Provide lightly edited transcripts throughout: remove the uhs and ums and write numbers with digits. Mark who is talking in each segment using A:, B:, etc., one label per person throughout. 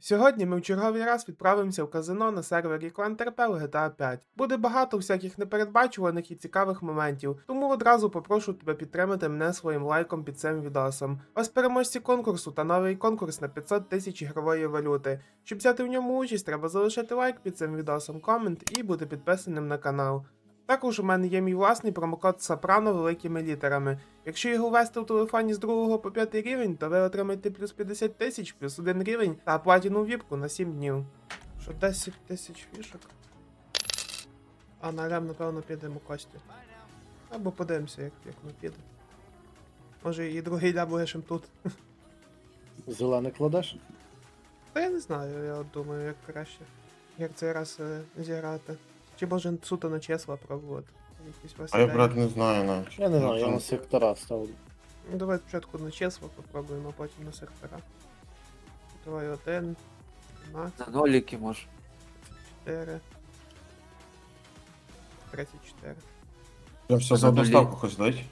A: Сьогодні ми в черговий раз відправимося в казино на сервері ClanTRP в GTA 5. Буде багато всяких непередбачуваних і цікавих моментів, тому одразу попрошу тебе підтримати мене своїм лайком під цим відосом. Ось переможці конкурсу та новий конкурс на 500 тисяч ігрової валюти. Щоб взяти в ньому участь, треба залишити лайк під цим відосом, комент і бути підписаним на канал. Також у мене є мій власний промокод Сопрано великими літерами. Якщо його ввести в телефоні з 2 по 5 рівень, то ви отримаєте плюс 50 тисяч, плюс 1 рівень та платіну віпку на 7 днів. Що 10 тисяч фішок? А на рем, напевно, підемо Костю. Або подивимося, як ми піде. Може і другий лям лишим тут.
B: Зелений кладеш?
A: Та я не знаю, я от думаю, як краще. Як цей раз зіграти. Чи може суто на числа пробувати? Якісь у вас
C: А я,
A: ідеї?
C: брат, не знаю навіть.
B: Я не знаю, я
C: Там-
B: на сектора ставлю.
A: Ну, давай спочатку на числа попробуємо, а потім на сектора. Давай 1, 12,
D: На ноліки може.
A: 4, 34.
C: Я все за доставку хоч дать.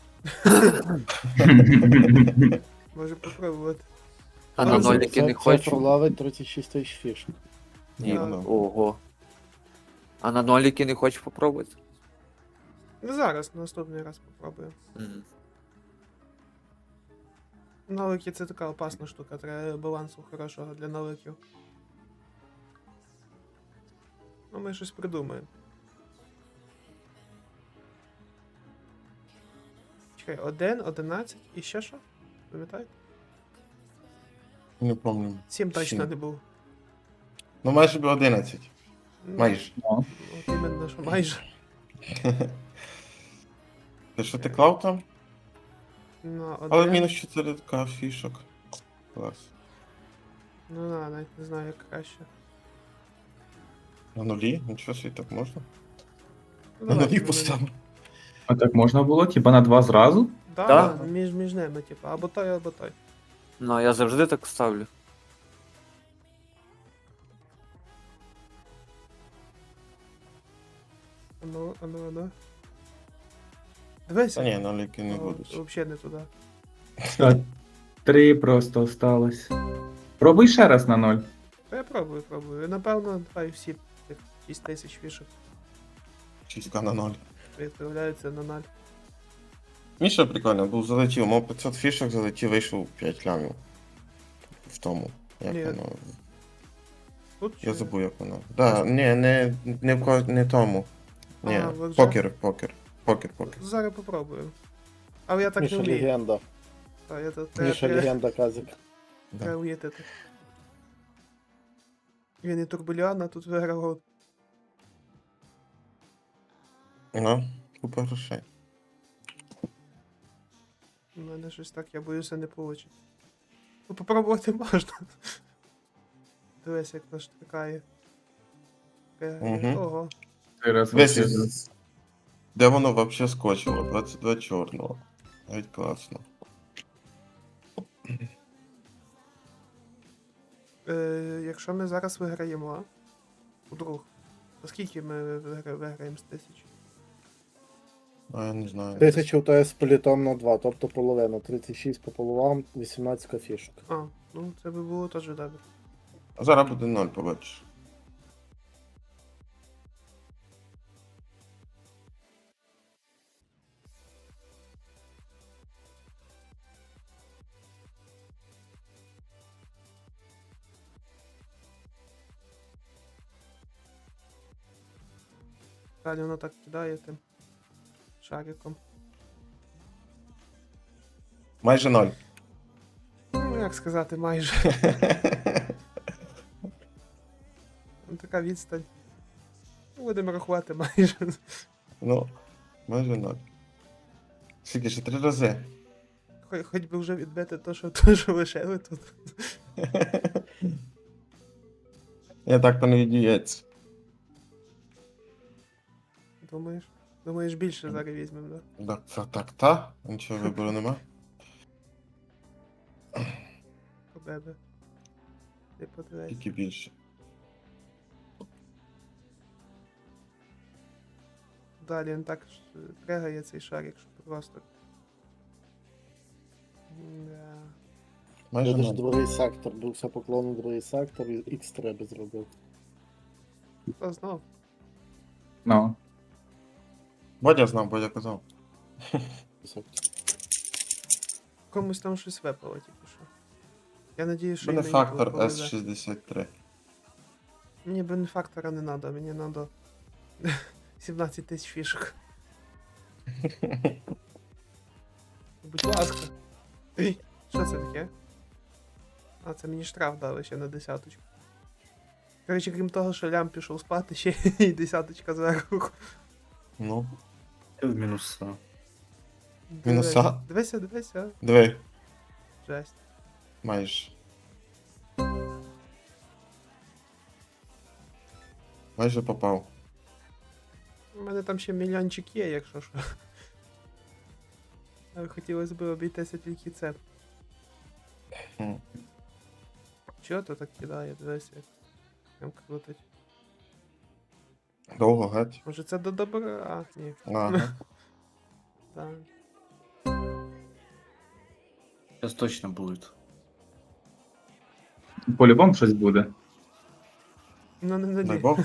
A: Може попробувати.
D: А на ноліки не хочу.
B: Пролавить 36 тисяч фішок.
C: Ні,
A: Да.
C: ну.
D: Ого. А на ноліки не хочу попробувати?
A: Ну зараз, наступний раз попробуємо.
D: Мгм.
A: Навики це така опасна штука, треба балансу хорошого для навиків. Ну ми щось придумаємо. Чекай, 1, 11 і ще що? Пам'ятаєте?
C: Не пам'ятаю.
A: 7 точно
C: Сім.
A: не був.
C: Ну майже би 11.
A: Ну,
C: Майже.
A: От іменно, що майже.
C: Ти що ти клав там?
A: Ну,
C: Але
A: 1.
C: мінус 4 фішок. Клас.
A: Ну да, навіть не знаю, як краще.
C: На нулі? Нічого собі так можна?
A: Ну,
C: На
A: давайте
C: нулі
A: на
C: поставив.
E: А так можна було? Типа на два зразу?
A: Да,
D: Да?
A: да, між ними, типу, або той, або той.
D: Ну, я завжди так ставлю.
A: Ану, ану, ану. Дивися.
C: Та ні, нуліки не будуть.
A: Взагалі не туди.
E: Так, три просто осталось. Пробуй ще раз на ноль.
A: Та я пробую. Напевно, давай всі тих 6 тисяч фішок
C: 6 на 0.
A: відправляються на 0.
C: Міша прикольно, був залетів, мав 500 фішок, залетів, вийшов 5 лямів. В тому. Як
A: Ні.
C: воно?
A: Тут
C: Я
A: чи-
C: забув, як воно. Да, ні, не в не тому. Ні,
A: А, ви вже?
C: покер.
A: Зараз попробую. Але я так
B: Міша
A: не вмію.
B: легенда.
A: Та, я тут
B: Міша легенда Казик.
C: Да.
A: треба уїтити. Він і Турбуліана тут виграв.
C: Ну, купа грошей.
A: У мене щось так, я боюся, не вийде. Ну, попробувати можна. Дивись, як наш тикає.
C: Мгм.
A: Ого.
E: Три раз
C: Весь
E: вообще.
C: із... Де воно вообще скочило? 22 чорного. Навіть класно.
A: Якщо ми зараз виграємо, вдруг, то скільки ми виграємо з 1000?
C: А я не знаю.
B: 1000 у тебе з політом на 2, тобто половина. 36 по половам, 18 фішок.
A: А, ну це би було теж добре.
C: А зараз буде 0, побачиш.
A: Далі воно так кидає тим шариком.
C: Майже 0.
A: Ну, як сказати, майже. Ну, така відстань. Ну, будемо рахувати майже.
C: Ну, майже 0. Скільки ще 3 рази.
A: Хоч би вже відбити то, що лишили тут.
C: Я так то не відіється.
A: Думаєш? Думаєш, більше зараз візьмемо, да?
C: Так, та? Нічого вибору нема.
A: По бебе. Ти подивись.
C: Тільки більше.
A: Далі він так пригає цей шарик, що просто. Да.
C: Майже
B: Видиш,
C: ноль.
B: другий сектор, бився поклон у другий сектор і X3 би зробив.
A: Хто знав?
E: Ну.
C: Бодя знав, Бодя казав.
B: Сектор.
A: Комусь там щось випало тільки що. Я надію, що і
C: Буде
A: мені
C: фактор
A: повезе.
C: S63.
A: Мені бенефактора не треба, мені треба 17 тисяч фішок. Будь ласка. Ей, що це таке? А, це мені штраф дали ще на десяточку. Коротше, крім того, що лям пішов спати, ще і десяточка зверху.
C: Ну,
F: В мінуса.
C: Мінуса?
A: Дивися, дивися.
C: диви,
A: Жесть.
C: майже. Майже попав.
A: У мене там ще мільйончик є, якщо що. Але хотілося б обійтися тільки це.
C: Хм.
A: Чого то так кидає? Дивися, як прям крутить.
C: Довго геть.
A: Може це до добра? А, ні.
C: Ага.
A: Так.
F: Сейчас точно будет.
E: По-любому щось буде.
A: Ну не
C: Дай
A: на
C: Бог.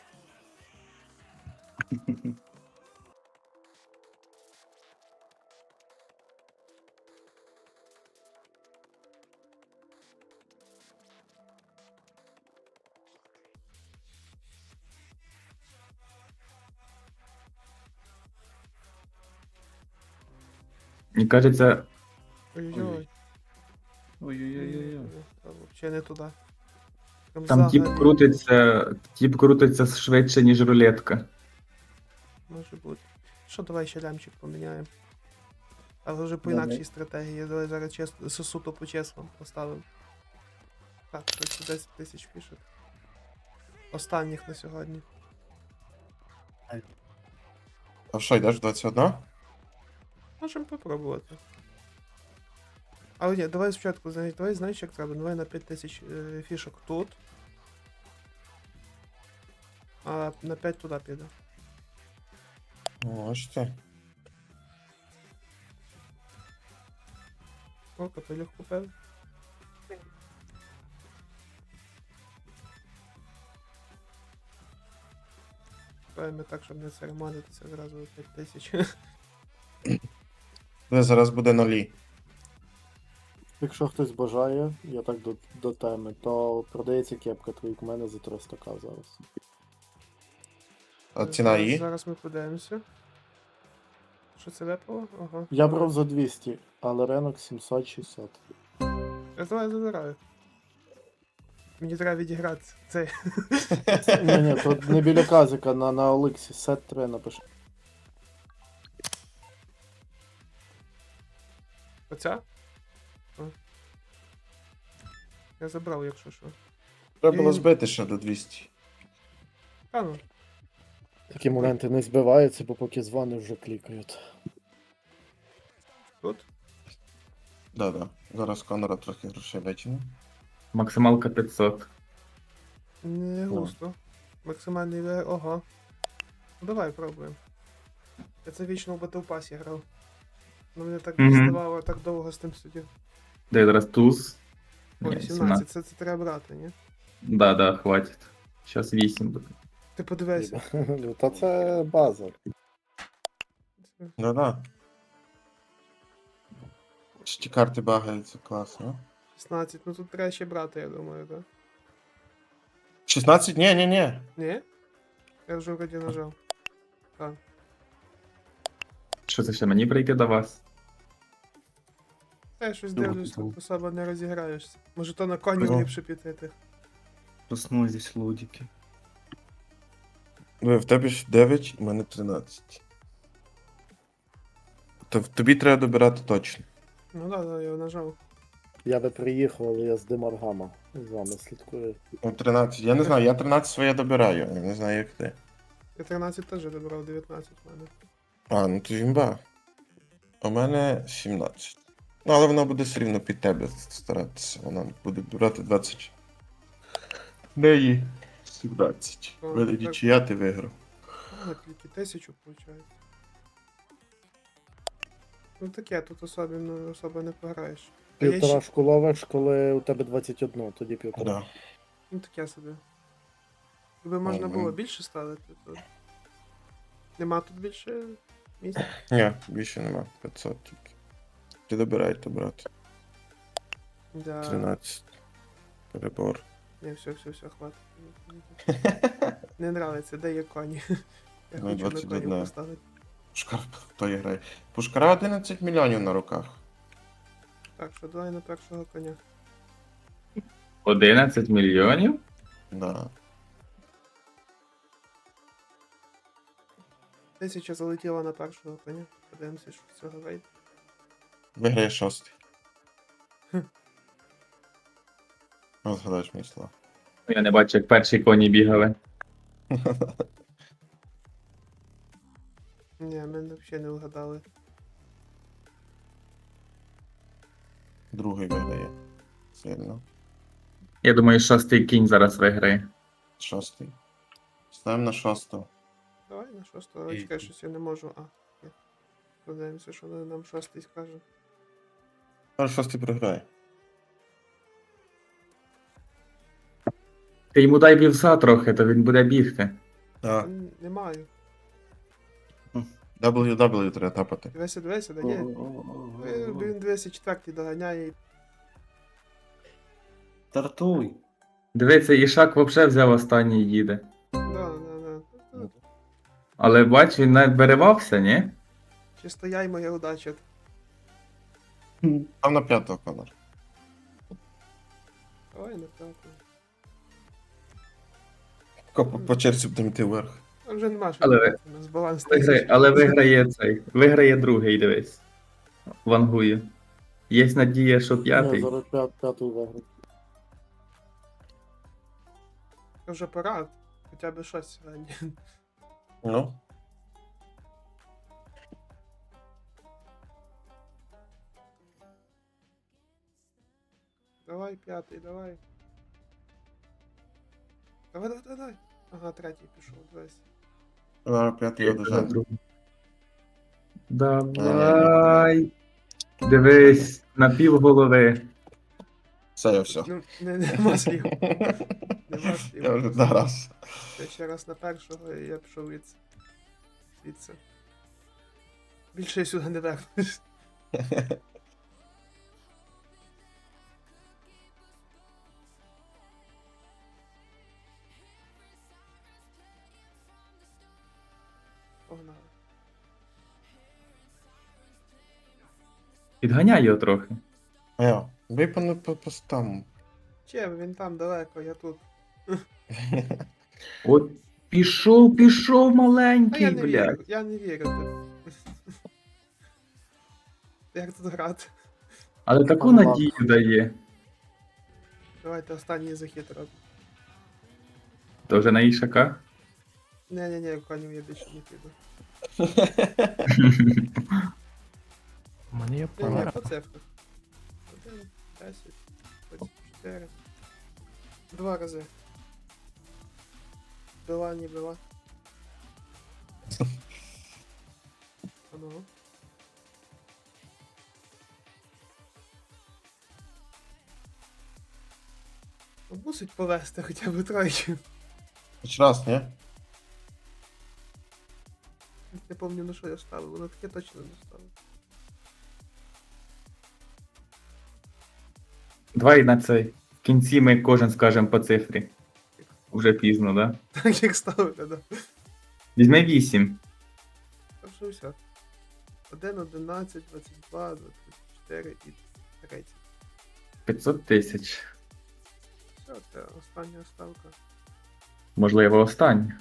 E: Мені кажеться,
A: Ой-ой-ой.
F: Ой-ой-ой-ой.
A: Та взагалі не туди. Прям
E: там тіп крутиться швидше, ніж рулетка.
A: Може бути. Що, давай ще лямчик поміняємо. Але вже по
E: Давай.
A: інакшій стратегії. Давай зараз чесно, суто по чесному поставимо. Так, це 10 тисяч фішок. Останніх на сьогодні.
C: А що, йдеш в 21?
A: Можемо попробувати. Але ні, давай спочатку, давай знаєш, як треба. Давай на 5 тисяч фішок тут. А на 5 туди піде.
C: Можете.
A: О, капелюх купив. Давай так, щоб не церемонитися зразу 5 тисяч.
C: Де зараз буде нулі.
B: Якщо хтось бажає, я так до теми, то продається кепка твоїх у мене за 300к зараз.
C: А ціна її?
A: Зараз ми подивимося. Що це випало? Ага.
B: Я брав за 200, але ринок 760.
A: Я давай забираю. Мені треба відіграти цей.
B: Ні, тут не біля казика, на Олексі, сет 3 напиши.
A: Оця? А. Я забрав, якщо що.
C: Треба було збити ще до 200.
A: Та ну.
B: Такі моменти не збиваються, бо поки дзвони вже клікають.
A: Тут?
C: Да-да. Зараз Конора трохи грошей витягне.
E: Максималка 500.
A: Не густо. Максимальний ого. Ну давай пробуємо. Я це вічно в Battle Pass грав. Ну мене так
E: Мгм.
A: діставало, так довго з тим сидів.
E: Де зараз туз?
A: О,
E: Ні,
A: 18, це треба брати, ні?
E: Да, хватить. Зараз 8 буде.
A: Ти подивися.
B: Та це база.
C: Да-да. Ще ті карти багаються, класно.
A: 16, ну тут треба ще брати, я думаю, так?
C: 16? Ні.
A: Ні? Я вже вроді нажав.
E: Що це ще мені прийти до вас?
A: Я щось
F: Ну,
A: дивлюсь,
F: ну.
A: тут особо не розіграєшся. Може то на коні
C: Ну.
A: ліпше піти ти.
F: Проснулись здесь лодики.
C: Диви, в тебе ж 9, у мене 13. Тобі треба добирати точно.
A: Ну да, я нажав.
B: Я би приїхав, але я з Демаргама з вами слідкую.
C: Ну, 13. Я не знаю, я 13 своє добираю, я не знаю, як ти.
A: Я 13 теж добрав, 19 в мене.
C: А, ну то імба. У мене 17. Ну, але вона буде все рівно під тебе старатися. Вона буде брати 20. Неї 17.
A: О,
C: Вийде
A: так.
C: нічия, ти виграв.
A: Ну, тільки 1000 виходить. Ну таке, тут особо не пограєш. Я
B: Півторашку ловиш, коли у тебе 21, тоді півтора.
C: Да.
A: Ну таке собі. Якби можна було
C: Ага.
A: більше ставити, то. Нема тут більше місця.
C: Ні, більше нема. 500 тільки. Ти добирайте, брат.
A: Да.
C: 13. Перебор.
A: Не, все, хватить. Не нравиться, де є коні. Я
C: Ну,
A: хочу на
C: 21.
A: коні поставити.
C: Пушкар, хто є грає? Пушкара 11 мільйонів на руках.
A: Так, що давай на першого коня.
E: 11 мільйонів?
C: Да.
A: 1000 залетіла на першого коня. Подивимося, що з цього вийде.
C: Виграє 6. Згадаєш мій слова.
E: Я не бачу, як перші коні бігали.
A: Ні, ми взагалі не вгадали.
C: Другий виграє. Сильно.
E: Я думаю, 6-й кінь зараз виграє.
C: 6. Ставимо на 6.
A: Давай на шостого. Чекай, щось я не можу. А, ні. Подивимося, що нам шостий скаже.
C: А 6 програє.
E: Ти йому дай вівса трохи, то він буде бігти.
C: Так.
A: Не маю.
C: WW треба тапати.
A: Дивися, да є. Він 204 доганяє.
F: Стартуй.
E: Дивиться, Ішак взагалі взяв останній і їде.
A: Да.
E: Але бач, він навіть беревався, ні?
A: Чисто я й моя удача.
C: Там на 5 Конор.
A: Давай на п'ятого.
C: По черзі будемо йти вверх.
A: А вже нема що
E: Але-
A: робити, у нас баланс
E: Але виграє цей. Виграє другий, дивись. Вангує. Є надія, що
B: Ні,
E: п'ятий.
B: зараз п'ятий виграє.
A: Вже пора, хоча б щось сьогодні.
C: Ну.
A: Давай, п'ятий, давай. Давай. Ага, третій пішов, дивись.
C: Зараз 5 одержав.
E: Давай. Дивись, на пів голови.
C: Все, я все.
A: Ну, нема слів. Нема слів.
C: Я вже зараз.
A: Я ще раз на першого і я пішов звідси. Більше я сюди не вернусь. Погнали.
E: Підганяй його трохи.
C: А я. Бий по там.
A: Че, він там далеко, я тут.
E: От пішов
A: А
E: маленький,
A: я не
E: блядь.
A: вірю, я не вірю. Як тут грати?
E: Але таку
B: Ага.
E: надію дає.
A: Давайте останній захід робимо.
E: То вже на Ішака.
A: Не, в конів я більше не піду.
G: У мене є
A: Не,
G: пара.
A: по цифрах. 1, 10, 24. 2 рази. Била, не била. А ну. Ну, мусить повести хоча б тройки.
C: Хоч раз, ні?
A: Не пам'ятаю, на що я ставив, воно таке точно не ставив.
E: Давай на цей. В кінці ми кожен скажемо по цифрі. Уже пізно, да?
A: Так як ставити, да.
E: Візьми 8.
A: Та що все. 1, 11, 22, 24 і 30.
E: 500 тисяч.
A: Все, це остання ставка.
E: Можливо, останнє.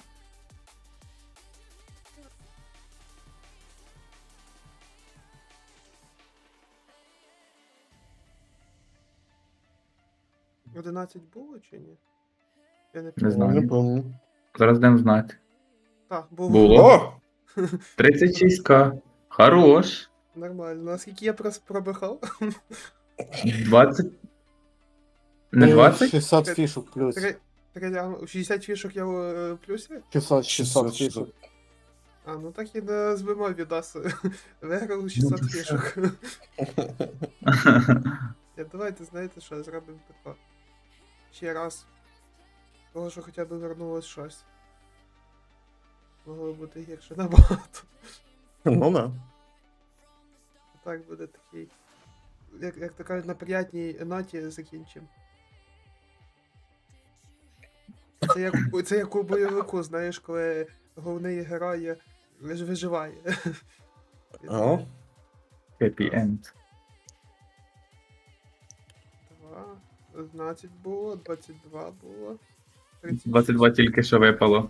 A: — 11 було чи ні? Я не
E: Не
A: пам'ятаю.
E: знаю.
C: Не помню.
E: Зараз дам знати.
A: Так, було.
E: Було.
C: О!
E: 36к. Хорош.
A: Нормально. Наскільки я пробихав?
E: 20. Не 20?
B: 600 фішок плюс.
A: 60 фішок я в плюсі?
B: 600 фішок.
A: А, ну так і не збимо відос. Виграв 600
E: Ну,
A: фішок. Давайте, знаєте що, зробимо тако. Ще раз. Того, що хоча б вернулось щось. Могло бути гірше набагато.
C: Ну да.
A: Так буде такий. Як то кажуть, на приятній ноті закінчимо. Це як у бойовику, знаєш, коли головний герой виживає.
C: О,
E: Happy end.
A: 2, 11 було, 22 було. 36.
E: 22 тільки що випало.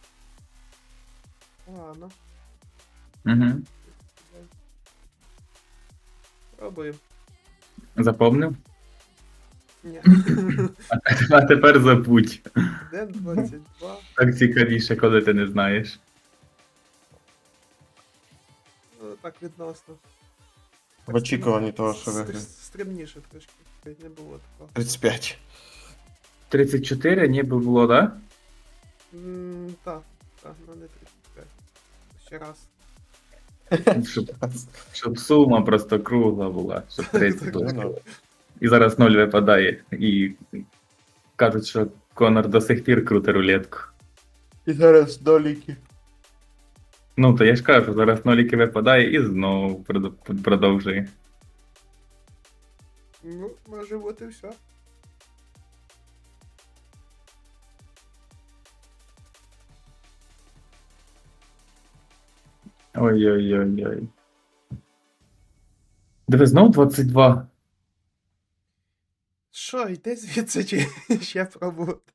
A: Ладно,
E: Угу.
A: пробуємо.
E: Запомнив?
A: Ні.
E: А тепер забудь.
A: 1, 22.
E: Так цікавіше, коли ти не знаєш.
A: Ну, так відносно.
C: в очікуванні того, що виграє.
A: Стримніше трошки. Не було такого.
C: 35.
E: 34 ніби було, так?
A: Так, ну не 35. Ще раз.
E: Да? Щоб сума просто кругла була, щоб 30
A: Так,
E: було.
C: Ну,
E: І зараз 0 випадає. І кажуть, що Конор до сих пір крути рулетку.
C: І зараз доліки.
E: Ну, то я ж кажу, зараз ноліки випадає і знову продовжує.
A: Ну, може бути все.
E: Ой-ой-ой-ой. Диви, знов 22.
A: Що, йди звідси чи ще пробувати?